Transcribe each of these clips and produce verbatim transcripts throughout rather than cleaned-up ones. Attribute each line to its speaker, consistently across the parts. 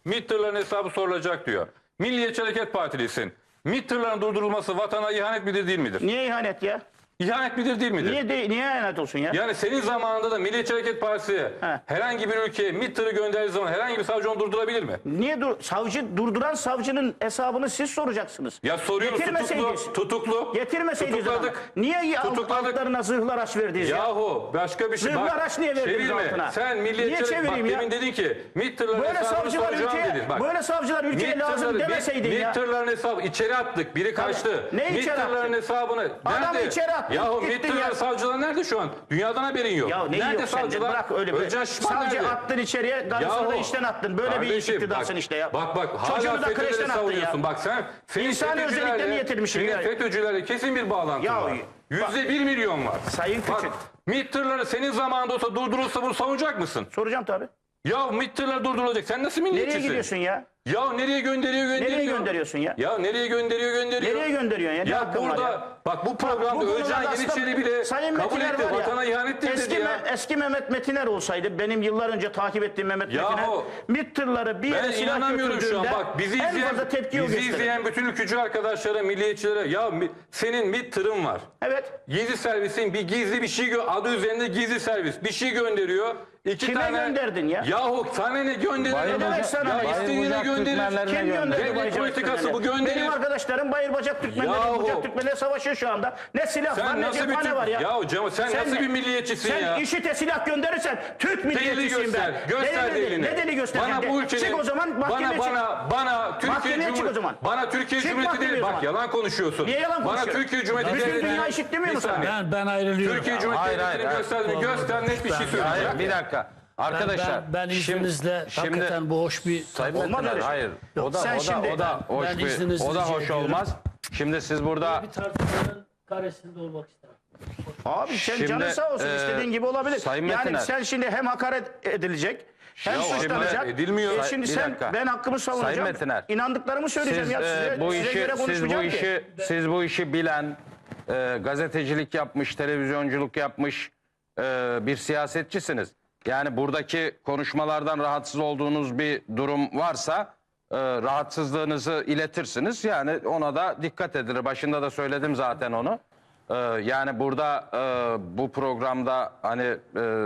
Speaker 1: MİT tırların hesabı sorulacak diyor. Milliyetçi Hareket Partilisin. MİT tırların durdurulması vatana ihanet midir değil midir?
Speaker 2: Niye ihanet ya?
Speaker 1: İhanet midir değil midir?
Speaker 2: Niye de, niye ihanet olsun ya?
Speaker 1: Yani senin zamanında da Milliyetçi Hareket Partisi
Speaker 2: He.
Speaker 1: herhangi bir ülkeye MİT tırı gönderdiği zaman herhangi bir savcı onu durdurabilir mi?
Speaker 2: Niye dur savcı durduran savcının hesabını siz soracaksınız.
Speaker 1: Ya soruyoruz
Speaker 2: Getirmeseydiniz.
Speaker 1: tutuklu. Tutuklu.
Speaker 2: Getirmeseydiniz ama.
Speaker 1: Tutukladık.
Speaker 2: Niye
Speaker 1: Tutukladık.
Speaker 2: altlarına zırhlar aç verdiniz ya?
Speaker 1: Yahu başka bir şey.
Speaker 2: Zırhlı
Speaker 1: Bak,
Speaker 2: araç niye verdiniz
Speaker 1: çevirme.
Speaker 2: altına?
Speaker 1: Sen
Speaker 2: Niye
Speaker 1: Milliyetçi Hareket
Speaker 2: çevireyim
Speaker 1: bak
Speaker 2: ya?
Speaker 1: demin dedin ki MİT tırların
Speaker 2: Böyle
Speaker 1: hesabını
Speaker 2: savcılar
Speaker 1: soracağım
Speaker 2: ülkeye,
Speaker 1: dedin. Bak.
Speaker 2: böyle savcılar ülkeye
Speaker 1: MİT
Speaker 2: lazım
Speaker 1: tırları-
Speaker 2: demeseydin
Speaker 1: MİT
Speaker 2: ya.
Speaker 1: tırların hesabı içeri attık. Biri kaçtı.
Speaker 2: Ne
Speaker 1: MİT
Speaker 2: içeri
Speaker 1: tırların
Speaker 2: attık?
Speaker 1: hesabını.
Speaker 2: Adamı
Speaker 1: Nerede?
Speaker 2: içeri attık,
Speaker 1: Yahu
Speaker 2: gittin
Speaker 1: MİT tırların
Speaker 2: ya.
Speaker 1: savcılar nerede şu an? Dünyadan haberin yok.
Speaker 2: Ya ne
Speaker 1: nerede
Speaker 2: yok sende?
Speaker 1: savcılar?
Speaker 2: Bırak öyle bir.
Speaker 1: Özcan Şişman
Speaker 2: Savcı
Speaker 1: nerede?
Speaker 2: attın içeriye, garısını da
Speaker 1: Yahu,
Speaker 2: işten attın. Böyle bir iş
Speaker 1: kardeşim,
Speaker 2: iktidarsın
Speaker 1: bak,
Speaker 2: işte ya.
Speaker 1: Bak bak hala
Speaker 2: Çocuğunu da
Speaker 1: FETÖ'leri
Speaker 2: kreşten attın
Speaker 1: savunuyorsun.
Speaker 2: ya.
Speaker 1: Bak sen senin
Speaker 2: İnsani
Speaker 1: FETÖ'cülerle-
Speaker 2: özelliklerini getirmişsin
Speaker 1: senin
Speaker 2: ya.
Speaker 1: FETÖ'cülerle kesin bir bağlantın
Speaker 2: Ya,
Speaker 1: var. Yüzde bir milyon var.
Speaker 2: Sayın
Speaker 1: Bak,
Speaker 2: Küçük.
Speaker 1: MİT tırları senin zamanında olsa durdurulsa bunu savunacak mısın?
Speaker 2: Soracağım tabii.
Speaker 1: Ya MİT tırları durdurulacak. Sen nasıl
Speaker 2: Nereye
Speaker 1: milliyetçisin?
Speaker 2: gidiyorsun ya?
Speaker 1: Ya nereye gönderiyor gönderiyor.
Speaker 2: Nereye gönderiyorsun ya?
Speaker 1: Ya nereye gönderiyor gönderiyor.
Speaker 2: Nereye gönderiyorsun ya? Ne
Speaker 1: Ya
Speaker 2: hakkın var
Speaker 1: burada
Speaker 2: ya?
Speaker 1: bak bu programda
Speaker 2: Bu
Speaker 1: Özcan
Speaker 2: konularda aslında
Speaker 1: Yeniçeri bile
Speaker 2: Sayın
Speaker 1: kabul
Speaker 2: Metiner
Speaker 1: etti.
Speaker 2: var ya,
Speaker 1: Vatana ihanettir
Speaker 2: eski
Speaker 1: dedi ya.
Speaker 2: Me- eski Mehmet Metiner olsaydı, benim yıllar önce takip ettiğim Mehmet
Speaker 1: Yahu,
Speaker 2: Metiner, MİT tırları bir
Speaker 1: Ben
Speaker 2: yere silah
Speaker 1: inanamıyorum şu an.
Speaker 2: götürdüğünde
Speaker 1: Bak bizi
Speaker 2: en
Speaker 1: izleyen,
Speaker 2: fazla tepki o
Speaker 1: bizi
Speaker 2: gösterir.
Speaker 1: izleyen bütün ülkücü arkadaşlara, milliyetçilere ya mi- senin MİT tırın var.
Speaker 2: Evet.
Speaker 1: Gizli servisin bir gizli bir şey gö- adı üzerinde gizli servis bir şey gönderiyor. İki
Speaker 2: Kime
Speaker 1: tane
Speaker 2: gönderdin ya?
Speaker 1: Yahu sana ne gönderiyor?
Speaker 2: Ne demek sana
Speaker 1: Ya
Speaker 2: ne?
Speaker 1: istediğine
Speaker 3: Bayır Bucak
Speaker 1: gönderir.
Speaker 3: Türkmenlerine
Speaker 2: Kim
Speaker 3: gönder.
Speaker 2: gönderdi
Speaker 1: Devlet
Speaker 2: Bayır Bacak
Speaker 1: politikası
Speaker 2: Türkmenleri?
Speaker 1: bu gönderir.
Speaker 2: Benim arkadaşlarım Bayır Bacak Türkmenleri,
Speaker 1: Yahu.
Speaker 2: Bucak Türkmenleri savaşıyor şu anda. Ne silah
Speaker 1: Sen
Speaker 2: var ne
Speaker 1: nasıl bir
Speaker 2: cephane
Speaker 1: Türk-
Speaker 2: var ya.
Speaker 1: Yahu Cemal, sen nasıl bir milliyetçisin
Speaker 2: sen
Speaker 1: ya?
Speaker 2: Sen IŞİD'e silah gönderirsen Türk
Speaker 1: Delili
Speaker 2: milliyetçisiyim
Speaker 1: göster.
Speaker 2: ben.
Speaker 1: Göster
Speaker 2: Delili-
Speaker 1: delini.
Speaker 2: Ne deli göstereceğim?
Speaker 1: Bana bu ülkenin,
Speaker 2: Çık o zaman mahkemeye
Speaker 1: bana,
Speaker 2: çık.
Speaker 1: bana, bana Türkiye
Speaker 2: Mahkemeye çık o
Speaker 1: Cumhuriyeti,
Speaker 2: zaman.
Speaker 1: bana Türkiye
Speaker 2: Çık
Speaker 1: Cumhuriyeti
Speaker 2: mahkemeye
Speaker 1: değil.
Speaker 2: o
Speaker 1: Bak
Speaker 2: zaman.
Speaker 1: yalan konuşuyorsun.
Speaker 2: Niye yalan
Speaker 1: Bana
Speaker 2: konuşuyorsun?
Speaker 1: Türkiye Cumhuriyeti
Speaker 2: Bütün
Speaker 1: Devleti'nin-
Speaker 2: dünya eşit demiyor
Speaker 1: Bir
Speaker 2: mu sana?
Speaker 1: saniye.
Speaker 3: Ben, ben ayrılıyorum.
Speaker 1: Türkiye Cumhuriyeti
Speaker 3: Hayır, hayır,
Speaker 1: Devleti'ni
Speaker 3: hayır.
Speaker 1: göster, göster net bir şey söyle.
Speaker 3: Hayır, bir dakika. Arkadaşlar.
Speaker 4: Ben, ben, ben
Speaker 3: şimdi-
Speaker 4: izninizle
Speaker 3: şimdi,
Speaker 4: hakikaten bu hoş bir...
Speaker 3: Sayın
Speaker 2: Olmaz
Speaker 3: Metiner,
Speaker 2: öyle şey.
Speaker 3: hayır.
Speaker 2: Yok,
Speaker 3: o da
Speaker 2: sen
Speaker 3: o da
Speaker 2: şimdi-
Speaker 3: o da hoş
Speaker 4: Ben
Speaker 3: bir
Speaker 4: izninizi
Speaker 3: o da
Speaker 4: rica
Speaker 3: hoş
Speaker 4: ediyorum.
Speaker 3: olmaz. Şimdi siz burada
Speaker 4: Bir tartışmanın karesinde olmak isterim.
Speaker 2: Abi sen
Speaker 3: Şimdi,
Speaker 2: canın sağ olsun
Speaker 3: e,
Speaker 2: istediğin gibi olabilir.
Speaker 3: Sayın
Speaker 2: yani
Speaker 3: Metiner.
Speaker 2: sen şimdi hem hakaret edilecek hem
Speaker 1: Ya
Speaker 2: suçlanacak.
Speaker 1: hakaret edilmiyor.
Speaker 2: E şimdi
Speaker 3: Bir
Speaker 2: sen
Speaker 3: dakika.
Speaker 2: ben hakkımı savunacağım.
Speaker 3: Sayın Metiner.
Speaker 2: İnandıklarımı söyleyeceğim
Speaker 3: siz
Speaker 2: ya
Speaker 3: e,
Speaker 2: size,
Speaker 3: bu
Speaker 2: size
Speaker 3: işi
Speaker 2: göre
Speaker 3: siz bu
Speaker 2: konuşmayacağım ki.
Speaker 3: işi siz bu işi bilen, e, gazetecilik yapmış, televizyonculuk yapmış e, bir siyasetçisiniz. Yani buradaki konuşmalardan rahatsız olduğunuz bir durum varsa e, rahatsızlığınızı iletirsiniz. Yani ona da dikkat edilir. Başında da söyledim zaten onu. E, yani burada e, bu programda hani e,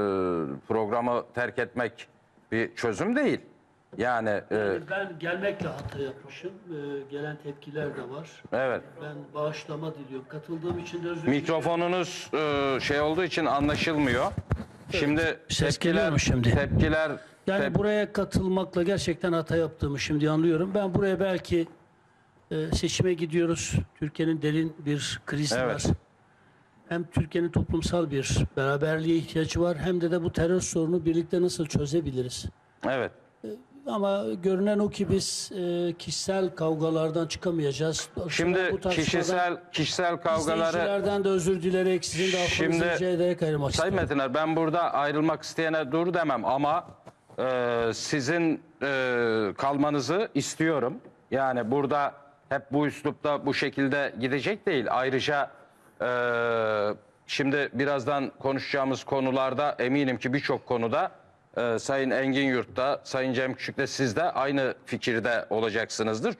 Speaker 3: programı terk etmek bir çözüm değil. Yani e,
Speaker 4: Ben gelmekle hata yapmışım. Ee, gelen tepkiler de var.
Speaker 3: evet.
Speaker 4: Ben bağışlama diliyorum. Katıldığım için de özür dilerim.
Speaker 3: Mikrofonunuz e, şey olduğu için anlaşılmıyor. Şimdi
Speaker 4: Ses geliyor mu şimdi?
Speaker 3: Tepkiler
Speaker 4: Yani
Speaker 3: tep-
Speaker 4: buraya katılmakla gerçekten hata yaptığımı şimdi anlıyorum. Ben buraya belki e, seçime gidiyoruz. Türkiye'nin derin bir krizi
Speaker 3: Evet.
Speaker 4: var. Hem Türkiye'nin toplumsal bir beraberliğe ihtiyacı var, hem de de bu terör sorunu birlikte nasıl çözebiliriz?
Speaker 3: evet.
Speaker 4: Ama görünen o ki biz e, kişisel kavgalardan çıkamayacağız.
Speaker 3: Şimdi
Speaker 4: Bu tartışmadan
Speaker 3: kişisel kişisel kavgaları
Speaker 4: izleyicilerden de özür dilerek, sizin de affınızı
Speaker 3: Şimdi-
Speaker 4: rica ederek ayrılmak
Speaker 3: Sayın
Speaker 4: istiyorum.
Speaker 3: Metiner, ben burada ayrılmak isteyene dur demem ama e, sizin e, kalmanızı istiyorum. Yani burada hep bu üslupta bu şekilde gidecek değil. Ayrıca e, şimdi birazdan konuşacağımız konularda eminim ki birçok konuda e, Sayın Engin Yurt'ta, Sayın Cem Küçük'le siz de aynı fikirde olacaksınızdır.